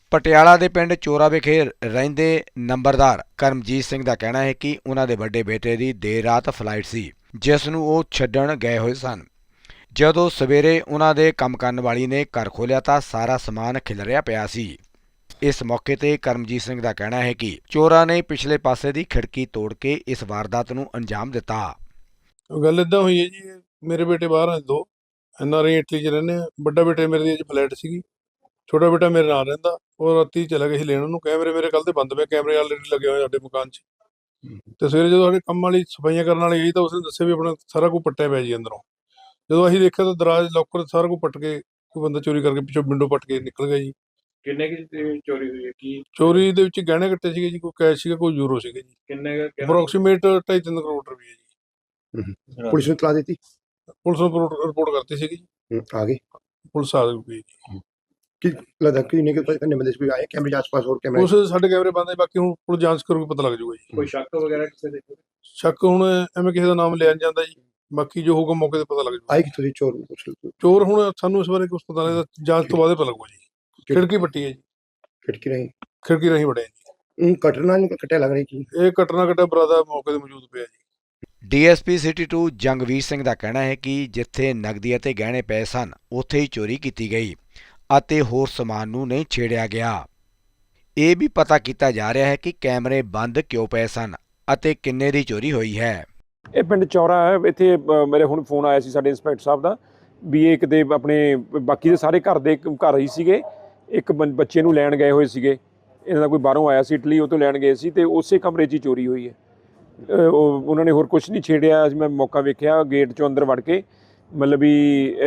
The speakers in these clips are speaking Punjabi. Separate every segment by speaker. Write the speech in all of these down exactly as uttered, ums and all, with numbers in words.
Speaker 1: ਪਟਿਆਲਾ ਦੇ ਪਿੰਡ ਚੋਰਾ ਵਿਖੇ ਰਹਿੰਦੇ ਨੰਬਰਦਾਰ ਕਰਮਜੀਤ ਸਿੰਘ ਦਾ ਕਹਿਣਾ ਹੈ ਕਿ ਉਹਨਾਂ ਦੇ ਵੱਡੇ ਬੇਟੇ ਦੀ ਦੇਰ ਰਾਤ ਫਲਾਈਟ ਸੀ, ਜਿਸ ਨੂੰ ਉਹ ਛੱਡਣ ਗਏ ਹੋਏ ਸਨ। ਜਦੋਂ ਸਵੇਰੇ ਉਹਨਾਂ ਦੇ ਕੰਮ ਕਰਨ ਵਾਲੀ ਨੇ ਘਰ ਖੋਲ੍ਹਿਆ ਤਾਂ ਸਾਰਾ ਸਮਾਨ ਖਿਲਰਿਆ ਪਿਆ ਸੀ। ਇਸ ਮੌਕੇ ਤੇ ਕਰਮਜੀਤ ਸਿੰਘ ਦਾ ਕਹਿਣਾ ਹੈ ਕਿ ਚੋਰਾਂ ਨੇ ਪਿਛਲੇ ਪਾਸੇ ਦੀ ਖਿੜਕੀ ਤੋੜ ਕੇ ਇਸ ਵਾਰਦਾਤ ਨੂੰ ਅੰਜਾਮ ਦਿੱਤਾ।
Speaker 2: ਗੱਲ ਇਦਾਂ ਹੋਈ ਹੈ ਜੀ, ਮੇਰੇ ਬੇਟੇ ਬਾਹਰ ਆ ਦੋ, ਐਨ ਆਰ ਆਈ ਇਟਲੀ 'ਚ ਰਹਿੰਦੇ ਆ। ਵੱਡਾ ਬੇਟੇ ਮੇਰੇ ਦੀ ਅੱਜ ਫਲਾਈਟ ਸੀਗੀ, ਛੋਟਾ ਬੇਟਾ ਮੇਰੇ ਨਾਲ ਰਹਿੰਦਾ। ਉਹ ਰਾਤੀ ਚਲਾ ਗਿਆ ਸੀ ਲੈਣ ਉਹਨੂੰ। ਕੈਮਰੇ ਮੇਰੇ ਕੱਲ੍ਹ ਦੇ ਬੰਦ ਪਏ, ਕੈਮਰੇ ਆਲਰੇਡੀ ਲੱਗੇ ਹੋਏ ਸਾਡੇ ਮਕਾਨ 'ਚ। ਤੇ ਸਵੇਰੇ ਜਦੋਂ ਸਾਡੇ ਕੰਮ ਵਾਲੀ ਸਫਾਈਆਂ ਕਰਨ ਵਾਲੀ ਆਈ ਤਾਂ ਉਸਨੇ ਦੱਸਿਆ ਵੀ ਆਪਣਾ ਸਾਰਾ ਕੁਝ ਪੱਟਿਆ ਪਿਆ ਜੀ ਅੰਦਰੋਂ। ਜਦੋਂ ਅਸੀਂ ਦੇਖਿਆ ਤਾਂ ਦਰਾਜ ਲੋਕਰ ਸਾਰਾ ਕੁਝ ਪੱਟ ਕੇ ਕੋਈ ਬੰਦਾ ਚੋਰੀ ਕਰਕੇ ਪਿੱਛੋਂ ਵਿੰਡੋ ਪੱਟ ਕੇ ਨਿਕਲ ਗਿਆ ਜੀ।
Speaker 3: ਕਿੰਨੇ ਕੀ ਚੋਰੀ ਹੋਈ ਹੈ? ਕੀ
Speaker 2: ਚੋਰੀ ਦੇ ਵਿੱਚ ਗਹਿਣੇ ਕੱਟੇ ਸੀਗੇ ਜੀ, ਕੋਈ ਕੈਸ਼ ਸੀਗਾ, ਕੋਈ ਯੂਰੋ ਸੀਗੇ ਜੀ।
Speaker 3: ਕਿੰਨੇ
Speaker 2: ਅਪਰੋਕਸੀਮੇਟ ਢਾਈ ਤਿੰਨ ਕਰੋੜ ਰੁਪਏ ਜੀ।
Speaker 4: ਪੁਲਿਸ ਨੂੰ ਇਤਲਾ ਦਿੱਤੀ?
Speaker 2: ਪੁਲਿਸ ਨੂੰ ਰਿਪੋਰਟ ਕਰਤੀ ਸੀਗੀ ਜੀ,
Speaker 4: ਆ ਗਏ
Speaker 2: ਪੁਲਿਸ ਆ ਗਈ ਜੀ।
Speaker 4: ਕਿ ਲੱਗਦਾ ਕਿ ਨਹੀਂ ਕਿ ਕਰਨੇ ਬੰਦੇ ਕੋਈ ਆਏ ਕੈਮਰੇ ਆਸ-ਪਾਸ ਹੋਰ ਕੈਮਰੇ?
Speaker 2: ਉਸ ਸਾਡੇ ਕੈਮਰੇ ਬੰਦ ਹੈ, ਬਾਕੀ ਹੁਣ ਪੁਲਿਸ ਜਾਂਚ ਕਰੂਗੀ, ਪਤਾ ਲੱਗ ਜਾਊਗਾ ਜੀ।
Speaker 3: ਕੋਈ ਸ਼ੱਕ ਵਗੈਰਾ ਕਿਸੇ ਦੇ?
Speaker 2: ਸ਼ੱਕ ਹੁਣ ਐਵੇਂ ਕਿਸੇ ਦਾ ਨਾਮ ਲਿਆ ਨਹੀਂ ਜਾਂਦਾ ਜੀ, ਬਾਕੀ ਜੋ ਹੋਊਗਾ ਮੌਕੇ ਤੇ ਪਤਾ ਲੱਗ ਜਾਊਗਾ।
Speaker 4: ਆਏ ਕਿੱਥੋਂ ਦੀ ਚੋਰ?
Speaker 2: ਚੋਰ ਹੁਣ ਸਾਨੂੰ ਇਸ ਬਾਰੇ ਕੁਝ ਪਤਾ ਲੱਗਦਾ, ਜਾਂਚ ਤੋਂ ਬਾਅਦ ਹੀ ਪਤਾ ਲੱਗੂਗਾ ਜੀ। ਖਿੜਕੀ ਪੱਟੀ ਹੈ ਜੀ,
Speaker 4: ਖਿੜਕੀ ਰਹੀ
Speaker 2: ਖਿੜਕੀ ਰਹੀ ਵੜਿਆ ਜੀ।
Speaker 4: ਕਟਣਾ ਨਹੀਂ ਕੱਟਿਆ ਲੱਗ ਰਹੀ ਜੀ।
Speaker 2: ਇਹ ਕੱਟਣਾ ਕੱਟਿਆ ਬਰਾਦਾ ਮੌਕੇ ਤੇ ਮੌਜੂਦ ਪਿਆ ਜੀ।
Speaker 1: D S P city two Jangveer Singh ਦਾ ਕਹਿਣਾ ਹੈ ਕਿ ਜਿੱਥੇ ਨਕਦੀ ਅਤੇ ਗਹਿਣੇ ਪਏ ਸਨ, ਉੱਥੇ ਹੀ ਚੋਰੀ ਕੀਤੀ ਗਈ ਅਤੇ ਹੋਰ ਸਮਾਨ ਨੂੰ ਨਹੀਂ ਛੇੜਿਆ ਗਿਆ। ਇਹ ਵੀ ਪਤਾ ਕੀਤਾ ਜਾ ਰਿਹਾ ਹੈ ਕਿ ਕੈਮਰੇ ਬੰਦ ਕਿਉਂ ਪਏ ਸਨ ਅਤੇ ਕਿੰਨੇ ਦੀ ਚੋਰੀ ਹੋਈ ਹੈ।
Speaker 5: ਇਹ ਪਿੰਡ ਚੌਰਾ ਹੈ। ਇੱਥੇ ਮੇਰੇ ਹੁਣ ਫੋਨ ਆਇਆ ਸੀ ਸਾਡੇ ਇੰਸਪੈਕਟਰ ਸਾਹਿਬ ਦਾ ਵੀ ਇਹ ਕਿਤੇ ਆਪਣੇ ਬਾਕੀ ਦੇ ਸਾਰੇ ਘਰ ਦੇ ਘਰ ਹੀ ਸੀਗੇ, ਇੱਕ ਬੱਚੇ ਨੂੰ ਲੈਣ ਗਏ ਹੋਏ ਸੀਗੇ। ਇਹਨਾਂ ਦਾ ਕੋਈ ਬਾਹਰੋਂ ਆਇਆ ਸੀ ਇਟਲੀ, ਉਹ ਤੋਂ ਲੈਣ ਗਏ ਸੀ ਤੇ ਉਸੇ ਕਮਰੇ 'ਚ ਹੀ ਚੋਰੀ ਹੋਈ ਹੈ। ਉਹ ਉਹਨਾਂ ਨੇ ਹੋਰ ਕੁਛ ਨਹੀਂ ਛੇੜਿਆ। ਅੱਜ ਮੈਂ ਮੌਕਾ ਵੇਖਿਆ ਗੇਟ 'ਚੋਂ ਅੰਦਰ ਵੜ ਕੇ, ਮਤਲਬ ਵੀ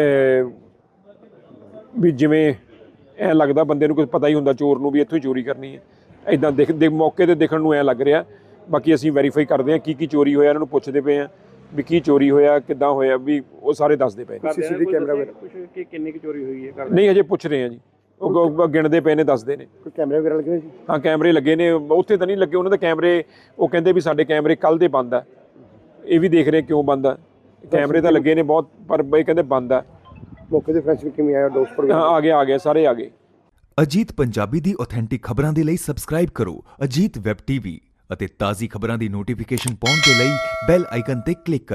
Speaker 5: ਵੀ ਜਿਵੇਂ ਐਂ ਲੱਗਦਾ ਬੰਦੇ ਨੂੰ ਕੁਝ ਪਤਾ ਹੀ ਹੁੰਦਾ ਚੋਰ ਨੂੰ ਵੀ ਇੱਥੋਂ ਹੀ ਚੋਰੀ ਕਰਨੀ ਹੈ। ਇੱਦਾਂ ਦਿਖ ਦੇ ਮੌਕੇ 'ਤੇ ਦੇਖਣ ਨੂੰ ਐਂ ਲੱਗ ਰਿਹਾ। ਬਾਕੀ ਅਸੀਂ ਵੈਰੀਫਾਈ ਕਰਦੇ ਹਾਂ ਕੀ ਕੀ ਚੋਰੀ ਹੋਇਆ, ਇਹਨਾਂ ਨੂੰ ਪੁੱਛਦੇ ਪਏ ਹਾਂ ਵੀ ਕੀ ਚੋਰੀ ਹੋਇਆ, ਕਿੱਦਾਂ ਹੋਇਆ, ਵੀ ਉਹ ਸਾਰੇ ਦੱਸਦੇ ਪਏ।
Speaker 4: ਸੀਸੀਟੀਵੀ ਕੈਮਰਾ ਵਗੈਰਾ
Speaker 3: ਕੁਝ ਕਿ ਕਿੰਨੀ ਕੁ ਚੋਰੀ ਹੋਈ ਹੈ?
Speaker 5: ਨਹੀਂ ਹਜੇ ਪੁੱਛ ਰਹੇ ਹਾਂ ਜੀ, ਉਹ ਗਿਣਦੇ ਪਏ ਨੇ, ਦੱਸਦੇ ਨੇ।
Speaker 4: ਕੋਈ ਕੈਮਰੇ ਵਗੈਰਾ ਲੱਗੇ ਹੋਏ ਜੀ?
Speaker 5: ਹਾਂ ਕੈਮਰੇ ਲੱਗੇ ਨੇ, ਉੱਥੇ ਤਾਂ ਨਹੀਂ ਲੱਗੇ ਉਹਨਾਂ ਦੇ ਕੈਮਰੇ। ਉਹ ਕਹਿੰਦੇ ਵੀ ਸਾਡੇ ਕੈਮਰੇ ਕੱਲ੍ਹ ਦੇ ਬੰਦ ਆ। ਇਹ ਵੀ ਦੇਖ ਰਹੇ ਕਿਉਂ ਬੰਦ ਆ। ਕੈਮਰੇ ਤਾਂ ਲੱਗੇ ਨੇ ਬਹੁਤ, ਪਰ ਇਹ ਕਹਿੰਦੇ ਬੰਦ ਆ।
Speaker 4: ਮੌਕੇ ਤੇ ਫੋਰੈਂਸਿਕ ਕਿਵੇਂ ਆਇਆ? ਡੋਸਪਰ
Speaker 5: ਆ ਗਏ ਆ ਗਏ ਸਾਰੇ ਆ ਗਏ।
Speaker 6: ਅਜੀਤ ਪੰਜਾਬੀ ਦੀ ਆਥੈਂਟਿਕ ਖਬਰਾਂ ਦੇ ਲਈ ਸਬਸਕ੍ਰਾਈਬ ਕਰੋ ਅਜੀਤ ਵੈਬ ਟੀਵੀ ਅਤੇ ਤਾਜ਼ੀ ਖਬਰਾਂ ਦੀ ਨੋਟੀਫਿਕੇਸ਼ਨ ਪਾਉਣ ਦੇ ਲਈ ਬੈਲ ਆਈਕਨ ਤੇ ਕਲਿੱਕ ਕਰੋ।